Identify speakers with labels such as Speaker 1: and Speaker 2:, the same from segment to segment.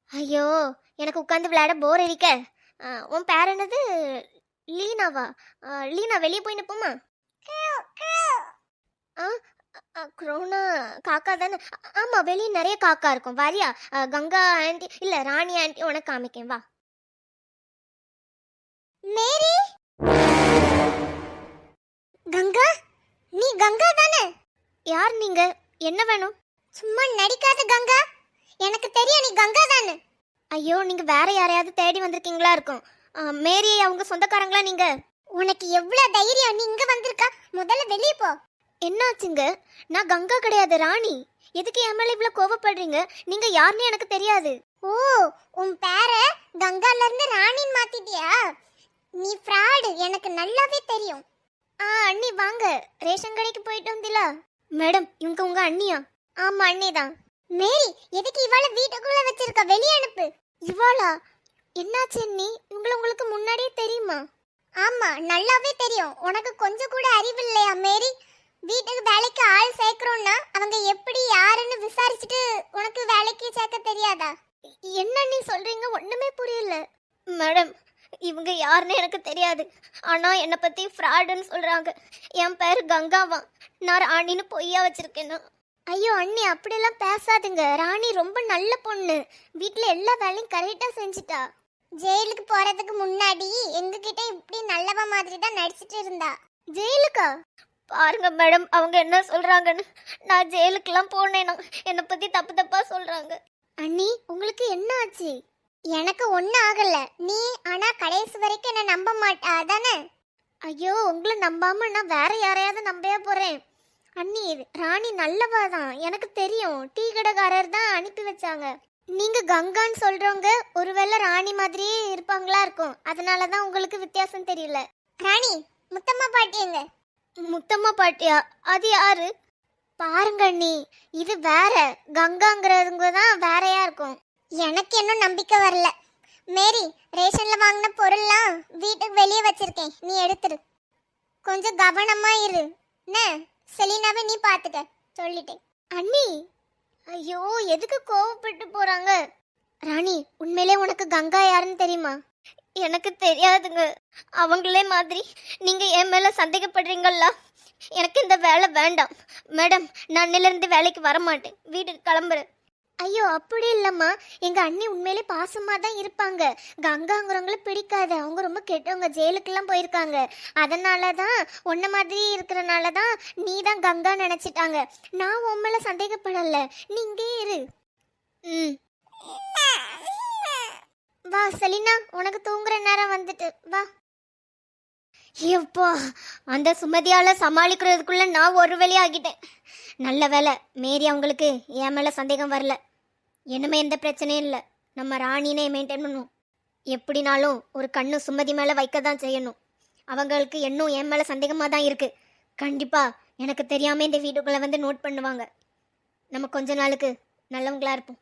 Speaker 1: ஐயோ, எனக்கு உட்காந்து விளையாட போர் அடிக்க. உன் பேர் என்னது? லீனாவா? லீனா, வெளியே போய் நிப்போமா? ஆ க்ரோனா காக்கா தானே? ஆமா, வெளியே நிறைய காக்கா இருக்கும். வாரியா? கங்கா ஆண்டி இல்ல ராணி ஆண்டி உனக்கு காமிக்கேன், வா. மேரி, கங்கா, நீ கங்கா தானே? யார் நீங்க? என்ன வேணும்? சும்மா நடிக்காத கங்கா, எனக்கு தெரியும் நீ கங்கா தானே. ஐயோ, நீங்க வேற யாரையாவது தேடி வந்திருக்கீங்களா இருக்கும். மேரி அவங்க சொந்தக்காரங்களா நீங்க? உனக்கு எவ்வளவு தைரியம், நீ இங்க வந்திருக்கா? முதல்ல வெளியே போ. என்னாச்சுங்க? நான் கங்கா கிடையாது, ராணி. எதுக்கு என் மேல இவ்வளவு கோவப்படுறீங்க? நீங்க யாருன்னு எனக்கு தெரியாது. ஓ, உன் பேரை கங்கால இருந்து ராணின்னு மாத்திட்டியா? நீ ஃப்ராடு, எனக்கு நல்லாவே தெரியும். அண்ணி வாங்க, ரேஷன் கடைக்கு போயிட்டு வந்தில? மேடம், இவங்க உங்க அண்ணியா? ஆமா, அண்ணி தான். மேரி, எதுக்கு இவாளை வீட்டுக்குள்ள வச்சிருக்க? வெளியே அனுப்பு. இவாளா? என்னாச்சு அண்ணி? உங்களுக்கு முன்னாடியே தெரியுமா? ஆமா, நல்லாவே தெரியும். உனக்கு கொஞ்சம் கூட அறிவு இல்லையா மேரி? வீட்டுக்கு வேலைக்கு ஆள் சேர்க்கறோம்னா அவங்க எப்படி யாருன்னு விசாரிச்சுட்டு உனக்கு வேலைக்கு சேர்க்க தெரியாதா? என்ன நீ சொல்றீங்க? ஒண்ணுமே புரியல. மேடம், இவங்க யாருன்னு எனக்கு தெரியாது. ஆனா என்னை பத்தி ஃப்ராடுன்னு சொல்றாங்க. என் பேர் கங்காவா. நான் ராணின்னு பொய்யா வச்சிருக்கேன்னா? ஐயோ அண்ணி, அப்படியெல்லாம் பேசாதுங்க. ராணி ரொம்ப நல்ல பொண்ணு. வீட்டில் எல்லா வேலையும் கரெக்டாக செஞ்சுட்டா. ஜெயிலுக்கு போறதுக்கு முன்னாடி எங்ககிட்ட இப்படி நல்லவ மாதிரி தான் நடிச்சிட்டு இருந்தா. ஜெயிலுக்கா? பாருங்க மேடம், அவங்க என்ன சொல்றாங்கன்னு. நான் ஜெயிலுக்கெல்லாம் போனேனா என்னை பத்தி தப்பு தப்பா சொல்றாங்க. அண்ணி, உங்களுக்கு என்ன ஆச்சு? எனக்கு ஒன்றும் ஆகல. நீ ஆனா கடைசி வரைக்கும் என்ன நம்ப மாட்டா தானே? ஐயோ, உங்களை நம்பாம நான் வேற யாரையாவது நம்பவே போறேன். அண்ணி, ராணி நல்லவா தான், எனக்கு தெரியும். டீ கடைக்காரர் தான் அனுப்பி வச்சாங்க. நீங்க கங்கான்னு சொல்றவங்க ஒருவேளை ராணி மாதிரியே இருப்பாங்களா இருக்கும். அதனாலதான் உங்களுக்கு வித்தியாசம் தெரியல. ராணி, முத்தம்மா பாட்டி எங்க? முத்தம்மா பாட்டியா? அது யாரு? பாருங்க அண்ணி, இது வேற. கங்காங்கிறவங்க தான் வேறையா இருக்கும். எனக்கு இன்னும் நம்பிக்கை வரல. மேரி, ரேஷன்ல வாங்கின பொருள்லாம் வீட்டுக்கு வெளியே வச்சிருக்கேன், நீ எடுத்துரு. கொஞ்சம் கவனமா இரு. என்ன, செலினாவை நீ பாத்துக்க சொல்லிட்டேன். அண்ணி, ஐயோ, எதுக்கு கோவப்பட்டு போறாங்க? ராணி, உண்மையிலே உனக்கு கங்கா யாருன்னு தெரியுமா? எனக்கு தெரியாதுங்க. அவங்களே மாதிரி நீங்க என் மேல சந்தேகப்படுறீங்களா? எனக்கு இந்த வேலை வேண்டாம் மேடம். நான் இன்னிலிருந்து வேலைக்கு வர மாட்டேன், வீட்டுக்கு கிளம்புறேன். ஐயோ, அப்படி இல்லம்மா. எங்க அண்ணி உண்மையிலே பாசமா தான் இருப்பாங்க. கங்காங்கிறவங்கள பிடிக்காது. அவங்க ரொம்ப கெட்டவங்க, ஜெயிலுக்கெல்லாம் போயிருக்காங்க. அதனால தான் உன்ன மாதிரி இருக்கிறனால தான் நீ தான் கங்கா நினைச்சிட்டாங்க. நான் உன் மேல சந்தேகப்படல. நீ இங்கே இரு. வா செலினா, உனக்கு தூங்குற நேரம் வந்துட்டு வா. எப்போ அந்த சுமதியால சமாளிக்கிறதுக்குள்ள நான் ஒரு வழி ஆகிட்டேன். நல்ல வேலை, மேரி அவங்களுக்கு என் மேல சந்தேகம் வரல. இனிமே எந்த பிரச்சனையும் இல்லை. நம்ம ராணினே மெயின்டைன் பண்ணுவோம். எப்படினாலும் ஒரு கண்ணு சுமதி மேலே வைக்க தான் செய்யணும். அவங்களுக்கு இன்னும் என் மேலே சந்தேகமாக தான் இருக்குது. கண்டிப்பாக எனக்கு தெரியாமல் இந்த வீட்டுக்குள்ளே வந்து நோட் பண்ணுவாங்க. நம்ம கொஞ்ச நாளுக்கு நல்லவங்களா இருப்போம்.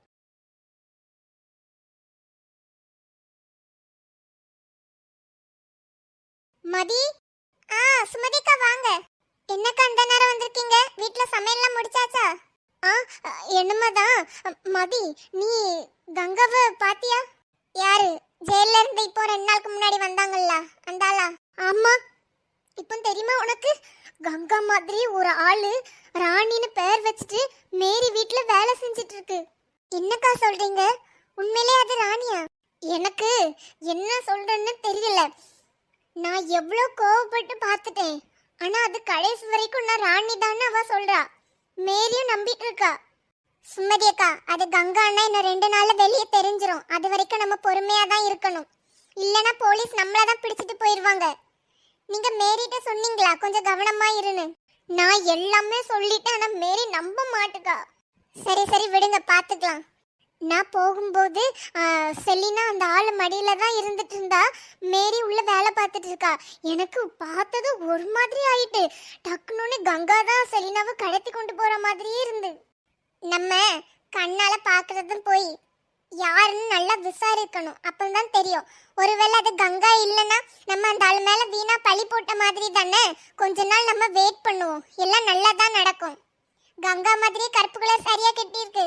Speaker 1: மதி, சுமதிக்கா வாங்க. என்னக்கா அந்த நேரம் வந்திருக்கீங்க? வீட்டில் சமையல்லாம் முடிச்சாச்சா? என்னமாதான். மதி, நீ கங்காவை பாத்தியா? யாரு? ஜெயில இருந்து இப்போ 2 நாளுக்கு முன்னாடி வந்தாங்கல்ல, அந்த ஆளா? ஆமா. இப்போ தெரியுமா உனக்கு? கங்கா மாதிரி ஒரு ஆளு ராணின்னு பேர் வச்சுட்டு மேரி வீட்டுல வேலை செஞ்சிட்டு இருக்கு. என்னக்கா சொல்றீங்க? உண்மையிலே அது ராணியா? எனக்கு என்ன சொல்றேன்னு தெரியல. நான் எவ்வளோ கோவப்பட்டு பார்த்துட்டேன். ஆனா அது கடைசி வரைக்கும் நான் ராணி தானே அவ சொல்றா. மேரியும் நம்பிட்டு இருக்கா. சுமதி அக்கா, அது கங்கா அண்ணா இன்னும் 2 நாள்ல வெளியே தெரிஞ்சிரும். அது வரைக்கும் நம்ம பொறுமையா தான் இருக்கணும். இல்லனா போலீஸ் நம்மள தான் பிடிச்சிட்டு போயிடுவாங்க. நீங்க மேரிட்ட சொன்னீங்களா கொஞ்சம் கவனமா இருன்னு? நான் எல்லாமே சொல்லிட்டேன், ஆனா மேரி நம்ப மாட்டுக்கா. சரி சரி விடுங்க, பாத்துக்கலாம். நான் போகும்போது செலினா அந்த ஆளு மடியில தான் இருந்துட்டு இருந்தா. மேரி உள்ள வேலை பார்த்துட்டு இருக்கா. எனக்கு பார்த்தது ஒரு மாதிரி ஆயிட்டு. டக்குன்னு கங்கா தான் செலினாவை கடத்தி கொண்டு போற மாதிரியே இருந்து. நம்ம கண்ணால பாக்குறதும் போய் யாருன்னு நல்லா விசாரிக்கணும், அப்பதான் தெரியும். ஒருவேளை அது கங்கா இல்லைன்னா நம்ம அந்த ஆள் மேல வீணா பழி போட்ட மாதிரி தானே. கொஞ்ச நாள் நம்ம வெயிட் பண்ணுவோம், எல்லாம் நல்லா தான் நடக்கும். கங்கா மாதிரி கருப்பு கலர் சரியா கட்டி இருக்கு.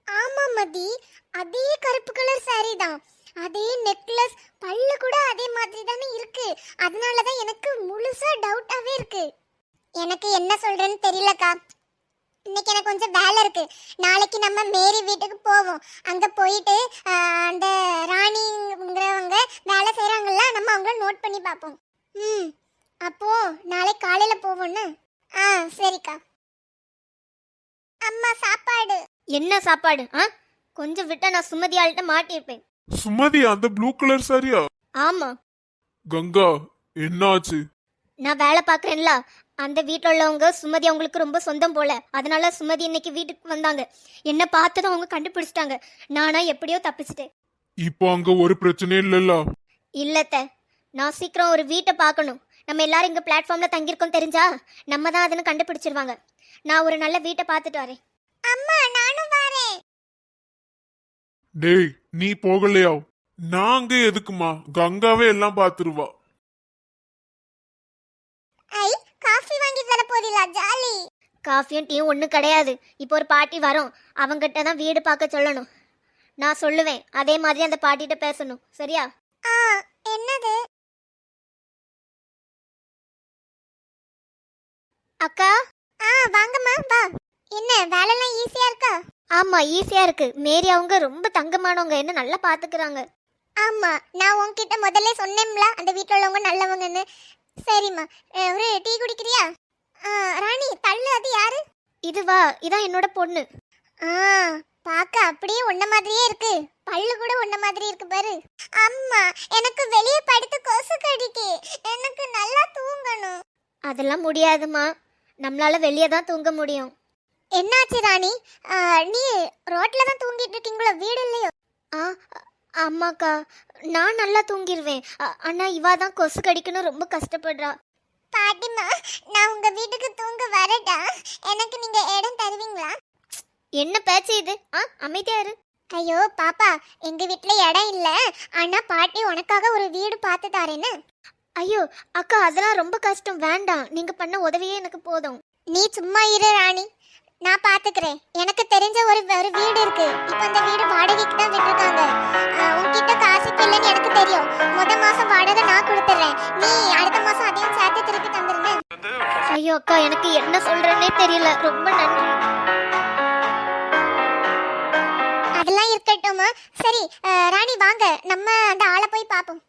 Speaker 1: ஆமா மதி, அதே கருப்பு கலர் saree தான். அதே நெக்லஸ், பல்லு கூட அதே மாதிரி தானே இருக்கு. அதனால தான் எனக்கு முழுசா டவுட்டாவே இருக்கு. எனக்கு என்ன சொல்றேன்னு தெரியலக்கா. இன்னைக்கு எனக்கு கொஞ்சம் வேலை இருக்கு. நாளைக்கு நம்ம மேரி வீட்டுக்கு போவோம். அங்க போயிட்டு அந்த ராணிங்கிறவங்க வேலை செய்றாங்கல்ல, நம்ம அவங்கள நோட் பண்ணி பார்ப்போம். அப்போ நாளைக்கு காலையில போவோம்னு. சரிக்கா. அம்மா சாப்பாடு. என்ன சாப்பாடு? கொஞ்சம் விட்டா நான் சுமதி ஆள்கிட்ட மாட்டிருப்பேன்.
Speaker 2: சுமதி, அந்த ப்ளூ கலர் சாரியா?
Speaker 1: ஆமா.
Speaker 2: கங்கா, என்னாச்சு?
Speaker 1: நான் வேலை பாக்குறேன்ல, அந்த வீட்டில் உள்ளவங்க சுமதி அவங்களுக்கு ரொம்ப சொந்தம் போல. அதனால சுமதி இன்னைக்கு வீட்டுக்கு வந்தாங்க. என்ன பார்த்ததும் அவங்க கண்டுபிடிச்சிட்டாங்க. நானா எப்படியோ தப்பிச்சிட்டேன்.
Speaker 2: இப்போ அங்க ஒரு பிரச்சனையும் இல்லல்ல?
Speaker 1: இல்லத்த, நான் சீக்கிரம் ஒரு வீட்டை பார்க்கணும். நம்ம எல்லாரும் இங்க பிளாட்ஃபார்ம்ல தங்கியிருக்கோம் தெரிஞ்சா நம்ம தான் அதனை கண்டுபிடிச்சிருவாங்க. நான் ஒரு நல்ல வீட்டை பார்த்துட்டு வரேன். அம்மா, நானும் வரேன்.
Speaker 2: டேய், நீ போகலையா? நாங்க எதுக்குமா? கங்காவே எல்லாம் பாத்துருவா.
Speaker 1: ஐ, காஃபி வாங்கி தர போறீங்களா? ஜாலி. காஃபியும் டீயும் ஒன்றும் கிடையாது. இப்போ ஒரு பாட்டி வரும், அவங்ககிட்ட தான் வீடு பார்க்க சொல்லணும். நான் சொல்லுவேன், அதே மாதிரி அந்த பாட்டிகிட்ட பேசணும். சரியா? என்னது? அக்கா. வாங்கம்மா, வா. என்ன வேலைலாம் ஈஸியா இருக்கா? ஆமா, ஈஸியா இருக்கு. மேரி அவங்க ரொம்ப தங்கமானவங்க, என்ன நல்லா பாத்துக்கிறாங்க. ஆமா, நான் உன்கிட்ட முதல்ல சொன்னேன்ல அந்த வீட்டில் உள்ளவங்க நல்லவங்கன்னு. சரிம்மா, ஒரு டீ குடிக்கிறியா? ராணி, தள்ளு. அது யாரு? இதுவா? இதான் என்னோட பொண்ணு. பாக்க அப்படியே உன்ன மாதிரியே இருக்கு. பல்லு கூட உன்ன மாதிரி இருக்கு பாரு. அம்மா, எனக்கு வெளியே படுத்து கொசு கடிக்கு. எனக்கு நல்லா தூங்கணும். அதெல்லாம் முடியாதுமா, நம்மளால வெளியே தான் தூங்க முடியும். என்னாச்சு ராணி? நீ ரோட்ல தான் தூங்கிட்டு இருக்கீங்களோ? வீடு இல்லையோ? ஆமாக்கா, நான் நல்லா தூங்கிடுவேன். ஆனா இவா தான் கொசு கடிக்கணும் ரொம்ப கஷ்டப்படுறா. பாட்டிமா, நான் உங்க வீட்டுக்கு தூங்க வரட்டா? எனக்கு நீங்க இடம் தருவீங்களா? என்ன பேச்சு இது? அமைதியா இரு. ஐயோ பாப்பா, எங்க வீட்ல இடம் இல்ல. ஆனா பாட்டி உனக்காக ஒரு வீடு பார்த்து தாரேன்னு. ஐயோ அக்கா, அதெல்லாம் ரொம்ப கஷ்டம். வேண்டாம், நீங்க பண்ண உதவியே எனக்கு போதும். நீ சும்மா இரு ராணி, நான் பாத்துக்கிறேன். எனக்கு தெரிஞ்ச ஒரு வீடு இருக்கு. இப்போ அந்த வீடு வாடகைக்கு தான் விட்டுருக்காங்க. உன்கிட்ட காசு இல்லைன்னு எனக்கு தெரியும். மாசம் வாடகை நான் கொடுத்துறேன். நீ அடுத்த மாசம் அதையும் சேர்த்து திருப்பி தந்துருங்க. ஐயோ அக்கா, எனக்கு என்ன சொல்றேன்னே தெரியல. ரொம்ப நன்றி. அதெல்லாம் இருக்கட்டுமா? சரி ராணி, வாங்க நம்ம அந்த ஆளை போய் பார்ப்போம்.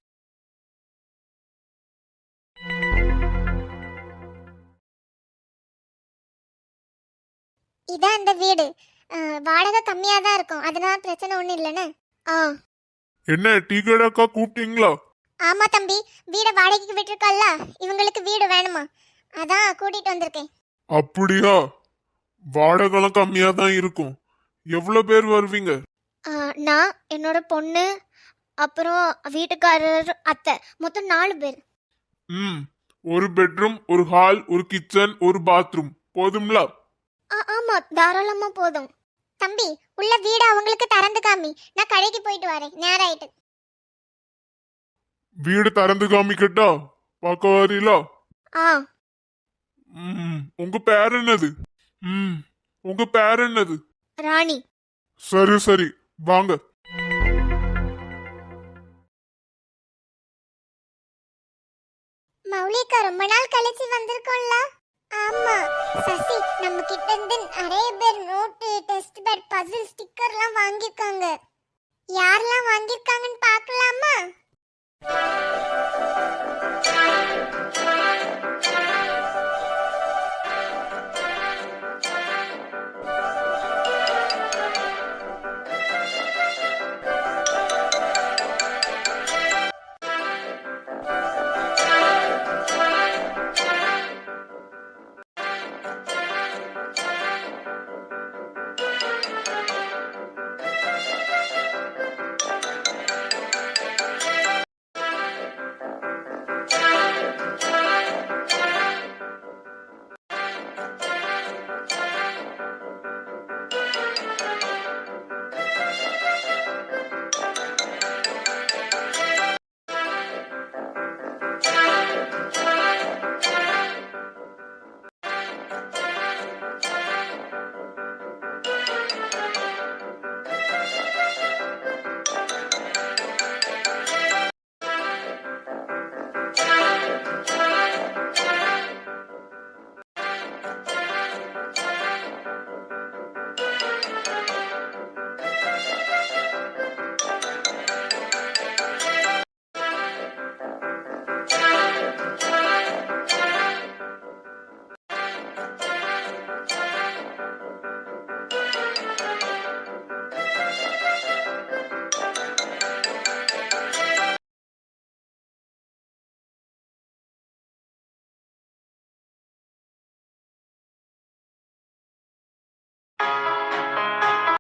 Speaker 1: இதான் அந்த வீடு. வாடகை கம்மியா தான் இருக்கும், அதனால பிரச்சனை ஒண்ணும் இல்லைன்னு.
Speaker 2: என்ன டீ கடைக்கா கூப்பிட்டீங்களா?
Speaker 1: ஆமா தம்பி, வீட வாடகைக்கு விட்டுருக்கல்ல, இவங்களுக்கு வீடு வேணுமா, அதான் கூட்டிட்டு வந்திருக்கேன்.
Speaker 2: அப்படியா? வாடகைலாம் கம்மியா தான் இருக்கும். எவ்வளவு பேர் வருவீங்க?
Speaker 1: நான், என்னோட பொண்ணு, அப்புறம் வீட்டுக்காரர், அத்தை, மொத்தம் 4 பேர்.
Speaker 2: ஒரு பெட்ரூம், ஒரு ஹால், ஒரு கிச்சன், ஒரு பாத்ரூம் போதும்ல?
Speaker 1: ஆமா, தாராளமா போதும். தம்பி, உள்ள வீடு அவங்களுக்கு திறந்து காமி. நான் கடைக்கு போயிட்டு வரேன், நேரம் ஆயிட்டு.
Speaker 2: வீடு திறந்து காமிக்கட்டா? பார்க்க வரீங்களா? உங்க பேர் என்னது? உங்க பேர் என்னது?
Speaker 1: ராணி.
Speaker 2: சரி சரி, வாங்க.
Speaker 1: மௌலிகா, ரொம்ப நாள் கழிச்சு வந்திருக்கோம்ல? ஆமா சசி, நம்ம கிட்ட இருந்து நிறைய பேர் நோட்டு, டெஸ்ட் பேட், பசில், ஸ்டிக்கர்லாம் வாங்கிருக்காங்க. யாரெல்லாம் வாங்கிருக்காங்கன்னு பார்க்கலாமா?